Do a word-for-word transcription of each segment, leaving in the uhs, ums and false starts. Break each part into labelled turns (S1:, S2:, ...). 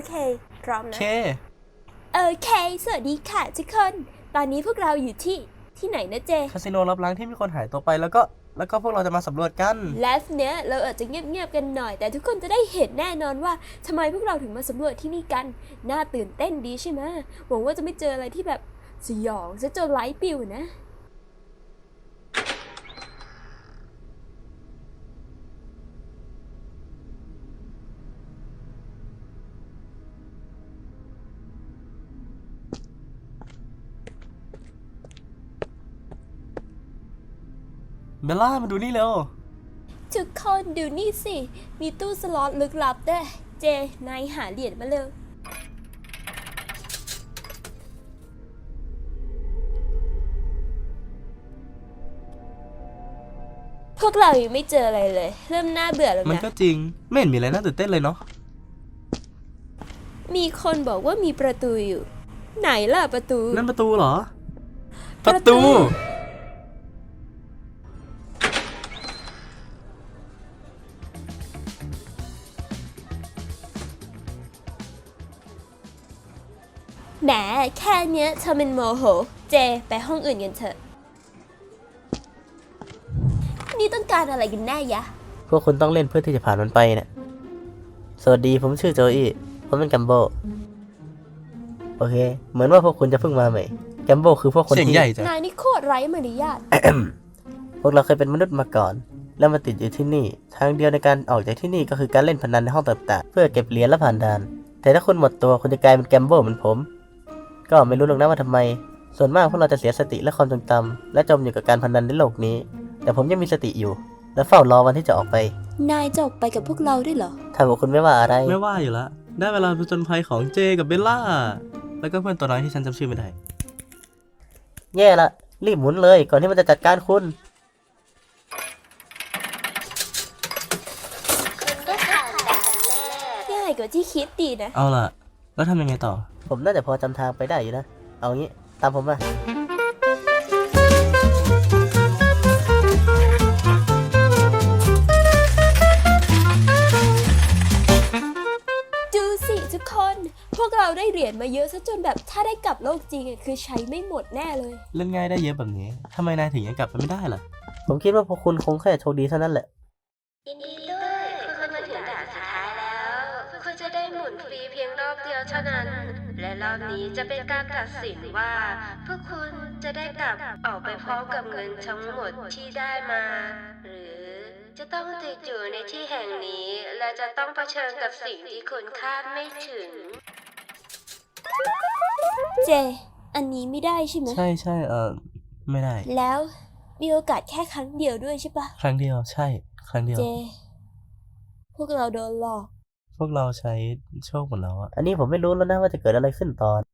S1: เคพร้อมนะ
S2: เค
S1: โอเคสวัสดีค่ะทุกคนตอนนี้พวกเราอยู่ที่ที่ไหนนะเจ
S2: คาสิโนลับล้างที่มีคนหายตัวไปแล้วก็แล้วก็พวกเราจะมาสำรวจกัน
S1: ไลฟ์เนี้ยเราอาจจะเงียบๆกันหน่อยแต่ทุกคนจะได้เห็นแน่นอนว่าทำไมพวกเราถึงมาสำรวจที่นี่กันน่าตื่นเต้นดีใช่ไหมหวังว่าจะไม่เจออะไรที่แบบสยองซะจนไลฟ์ปิวนะ
S2: เบลล่ามาดูนี่เร็ว
S1: ทุกคนดูนี่สิมีตู้สล็อตลึกลับด้วยเจนายหาเหรียญมาเร็วพวกเรายังไม่เจออะไรเลยเริ่มน่าเบื่อแล้วนะ
S2: มันก็จริงไม่เห็นมีอะไรน่าตื่นเต้นเลยเนาะ
S1: มีคนบอกว่ามีประตูอยู่ไหนล่ะประตู
S2: นั่นประตูเหรอ
S1: ป
S2: ประ ระ
S1: ตู
S2: ตู
S1: แหมแค่เนี้ยเธอเป็นโมโหเจไปห้องอื่นกันเถอะนี่ต้องการอะไรกันแน่ยะ
S3: พวกคุณต้องเล่นเพื่อที่จะผ่านมันไปเนี่ยสวัสดีผมชื่อโจอี้ผมเป็นแกมโบโอเคเหมือนว่าพวกคุณจะเพิ่งมาใหม่แกมโบคือพวกคน
S2: เสียง
S3: ที่
S2: ใหญ่จัง
S1: นายนี่โคตรไร้มารยาท
S3: พวกเราเคยเป็นมนุษย์มาก่อน แล้วมาติดอยู่ที่นี่ทางเดียวในการออกจากที่นี่ก็คือการเล่นพนันในห้องต่างๆเพื่อเก็บเหรียญและผ่านด่านแต่ถ้าคุณหมดตัวคุณจะกลายเป็นแกมโบเหมือนผมก็ไม่รู้หรอกนะว่าทำไมส่วนมากพวกเราจะเสียสติและความทรงจำและจมอยู่กับการพนันในโลกนี้แต่ผมยังมีสติอยู่และเฝ้ารอวันที่จะออกไป
S1: นายจะออกไปกับพวกเราด้วยเหรอ
S3: ถ้าพวกคุณไม่ว่าอะไร
S2: ไม่ว่าอยู่ละได้เวลาผจญภัยของเจกับเบลล่าแล้วก็เพื่อนตัวน้อยที่ฉันจำชื่อไม่ได้
S3: แย่ละรีบหมุนเลยก่อนที่มันจะจัดการคุณ
S1: ง่ายกว่าที่คิดดีนะ
S2: เอาล่ะแล้วทำยังไงต่อ
S3: ผมน่าจะพอจำทางไปได้อยู่นะเอางี้ตามผมมา
S1: ดูสิทุกคนพวกเราได้เหรียญมาเยอะซะจนแบบถ้าได้กลับโลกจริงอะคือใช้ไม่หมดแน่เลย
S2: เล่นง่ายได้เยอะแบบนี้ทำไมนายถึงยังกลับไปไม่ได้ล่ะ
S3: ผมคิดว่าพวกคุณคงแค่โชคดีเท่านั้นแหละ
S4: ยินดีด้วยคุณมาถึงด่านสุดท้ายแล้วคุณจะได้หมุนฟรีเพียงรอบเดียวเท่านั้นและรอบนี้จะเป็นการตัดสินว่าพวกคุณจะได้กลับออกไปพร้อมกับเงินทั้งหมดที่ได้มาหรือจะต้องติดอยู่ในที่แห่งนี้และจะต้องเผชิญกับสิ่งที่คุณคาดไม่ถึง
S1: เจอันนี้ไม่ได้ใช่ไหม
S2: ใช่ใช่เออไม่ได้
S1: แล้วมีโอกาสแค่ครั้งเดียวด้วยใช่ปะ
S2: ครั้งเดียวใช่ครั้งเดียว
S1: เจพวกเราโดนหลอก
S2: พวกเราใช้โชคหมดแล้วอะ
S3: อันนี้ผมไม่รู้แล้วนะว่าจะเกิดอะไรขึ้นตอน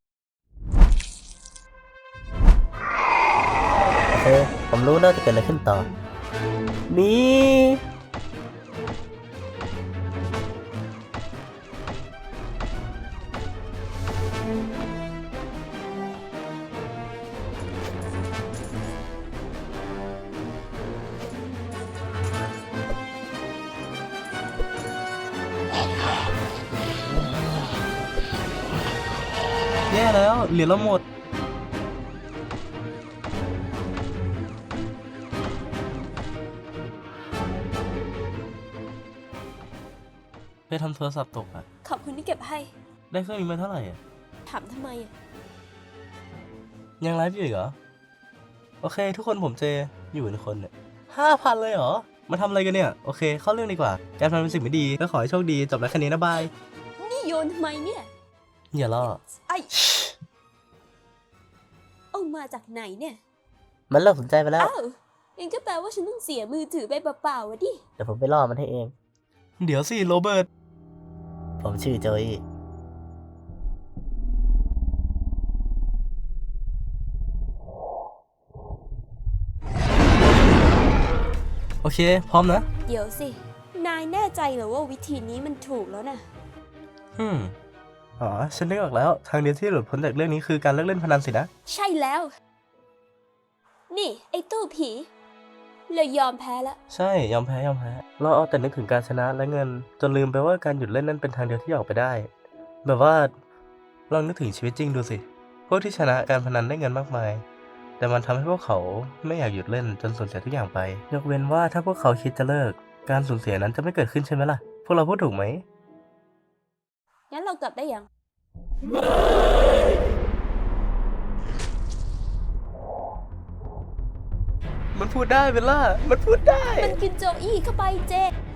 S3: โอเคผมรู้แล้วจะเกิดอะไรขึ้นต่อนี่
S2: แย่แล้วเหรียญเราหมดไปทำโทรศัพท์ตกอะ
S1: ขอบคุณที่เก็บให้
S2: ได้เครื่องนี้มาเท่าไหร่อะ
S1: ถามทำไมอะ
S2: ยังไลฟ์อยู่เหรอโอเคทุกคนผมเจอยู่เป็นคนเนี่ยห้าพันเลยเหรอมาทำอะไรกันเนี่ยโอเคเข้าเรื่องดีกว่าการพนันเป็นสิ่งไม่ดีก็ขอให้โชคดีจบแล้วแค่นี้นะบาย
S1: นี่โยนทำไมเนี่ย
S2: อย่าล่อ
S1: ไอเอามาจากไหนเนี่ย
S3: มันเริ่มสนใจไปแล้ว
S1: อ้าวยังก็แปลว่าฉันต้องเสียมือถือไปเปล่าๆวะดิ
S3: เดี๋ยวผมไปล่อมันให้เอง
S2: เดี๋ยวสิโรเบิร์ต
S3: ผมชื่อโจอี้
S2: โอเคพร้อมนะ
S1: เดี๋ยวสินายแน่ใจเหรอว่าวิธีนี้มันถูกแล้วนะ
S2: อืมอ๋อฉันนึกออกแล้วทางเดียวที่หลุดพ้นจากเรื่องนี้คือการเลิกเล่นพนันสินะ
S1: ใช่แล้วนี่ไอ้ตู้ผีเลยยอมแพ้ละ
S2: ใช่ยอมแพ้ยอมแพ้เราเอาแต่นึกถึงการชนะและเงินจนลืมไปว่าการหยุดเล่นนั่นเป็นทางเดียวที่ออกไปได้แบบว่าลองนึกถึงชีวิตจริงดูสิ พวกที่ชนะการพนันได้เงินมากมาย แต่มันทำให้พวกเขาไม่อยากหยุดเล่นจนสูญเสียทุกอย่างไป ยกเว้นว่าถ้าพวกเขาคิดจะเลิก การสูญเสียนั้นจะไม่เกิดขึ้นใช่ไหมล่ะ พวกเราพูดถูกไหม
S1: งั้นเรากลับได้ยัง
S2: มันพูดได้เบลล่า มันพูดได้
S1: มันกินโจอี้เข้าไปเจ